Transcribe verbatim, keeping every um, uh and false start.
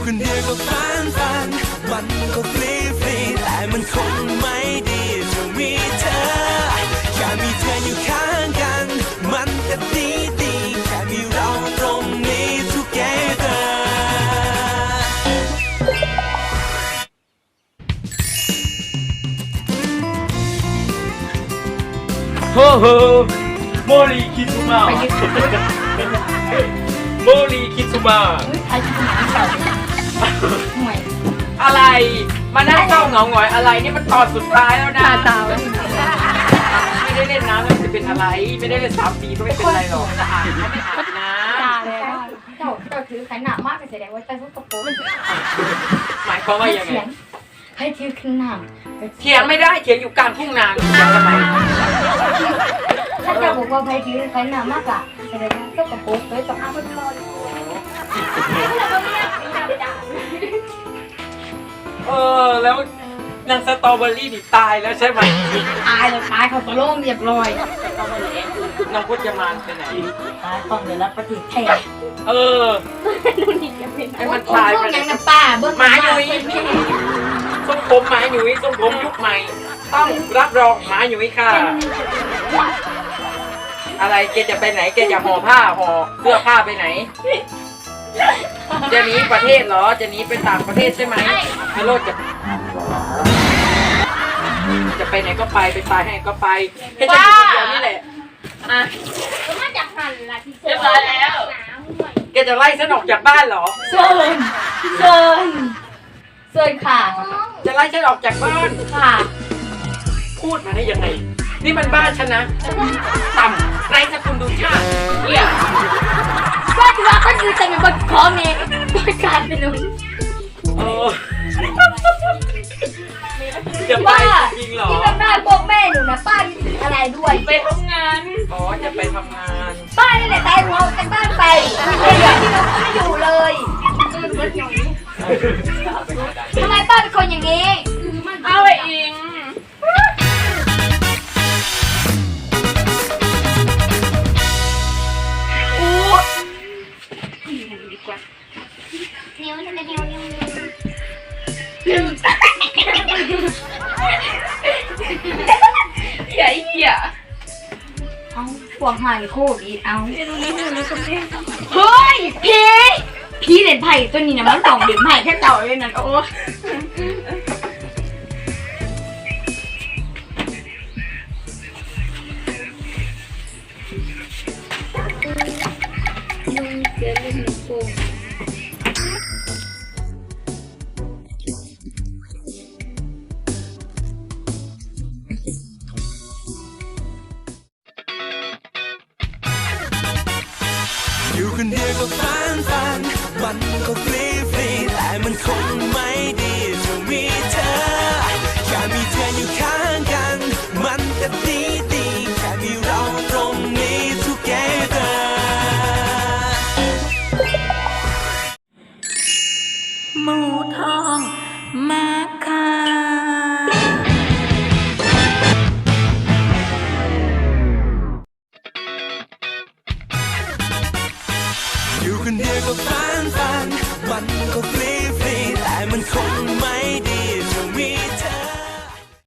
คนเดียวก็ฟันฟันมันก็ฟรีฟรีแต่มันคงไม่ดีจะมีเธอแค่มีเธออยู่ข้างกันมันก็ดีดีแค่มีเราตรงนี้ together โฮโฮโมริคิซุมะโมริคิซุมะไอ้ที่หนังเก่าห่วยอะไรมานั่งเศร้าเหงาหงอยอะไรนี่มันตอนสุดท้ายแล้วนะตาตาไม่ได้เล่นน้ำแล้วจะเป็นอะไรไม่ได้เล่นสามปีก็ไม่เป็นไรหรอกจะอาบน้ำไม่อาบน้ตาเลยเจ้าเจ้าถือขันหนามากแสดงว่าเจ้าต้องตะโกนำหมายความว่ายังไงให้ถือขันหนามเถียงไม่ได้เถียงอยู่กลางทุ่งนาเถียงทำไมถ้าเจ้าบอกว่าใครถือขันหนามากอะแสดงว่าเจ้าตะโกนเลยต้องอ้ามันคอเออแล้วนางสตรอเบอรี่นี่ตายแล้วใช่ไหมตายเลยตายเขาตะโล่งเรียบร้อยน้องพจมานไปไหนตายต้องเดี๋ยวรับปฏิเทศเออให้มันตายไปยังน้ำป้าเบิ้งหมาหนุ่ยทรงผมหมาหนุ่ยทรงผมยุคใหม่ ต้องรับรองหมาหนุ่ยค่ะ อะไรแกจะไปไหนแกจะห่อผ้าห่อเสื้อผ้าไปไหน จะหนีประเทศเหรอจะหนีไปต่างประเทศใช่ไหมฮัลโหลจะจะไปไหนก็ไปไปตายให้ก็ไปแค่จะอยู่คนเดียวนี่แหละอ่ะก็มาจากหันละที่เรียบร้อยแล้วแกจะไล่ฉันออกจากบ้านเหรอเซินเซินเซินค่ะจะไล่ฉันออกจากบ้านค่ะพูดมาได้ยังไง นี่มันบ้านฉันนะต่ำไร้สกุลดูชาติเนี่ยว่าที่ว่าก็คือจะเป็นคนขอเมย์บริการเป็นนุ่นเออจะไปว่าจริงเหรอที่เป็นแม่พวกแม่หนูนะป้ามีสิทธิ์อะไรด้วยไปทำงาน อ๋อ จะไปทำงานป้านี่แหละตายหัวจากบ้านไปไม่เหลือที่เราไม่อยู่เลยทำไมป้าเป็นคนอย่างนี้เอาไอ้อิงนิ้วนิ้วนิ้วนิ้วเหี้ยเหี้ยเอาพวกหายโคตรอีเอาเฮ้ยพี่พี่เล่นไพ่ตัวนี้นะมันต้องเล่นไพ่แค่เต่าเลยนั่นโอ้ลุงเสือเล่นลูกโป่งอยู่คนเดียวก็ฟันฟันมันก็ฟรีฟรีแต่มันคงไม่ดีจะมีเธอแค่มีเธออยู่ข้างกันมันก็ดีดีแค่มีเราตรงนี้ together หมูทองมาค่ะอยู่คนเดียวก็ฟันฟันมันก็ฟรีฟรีแต่มันคง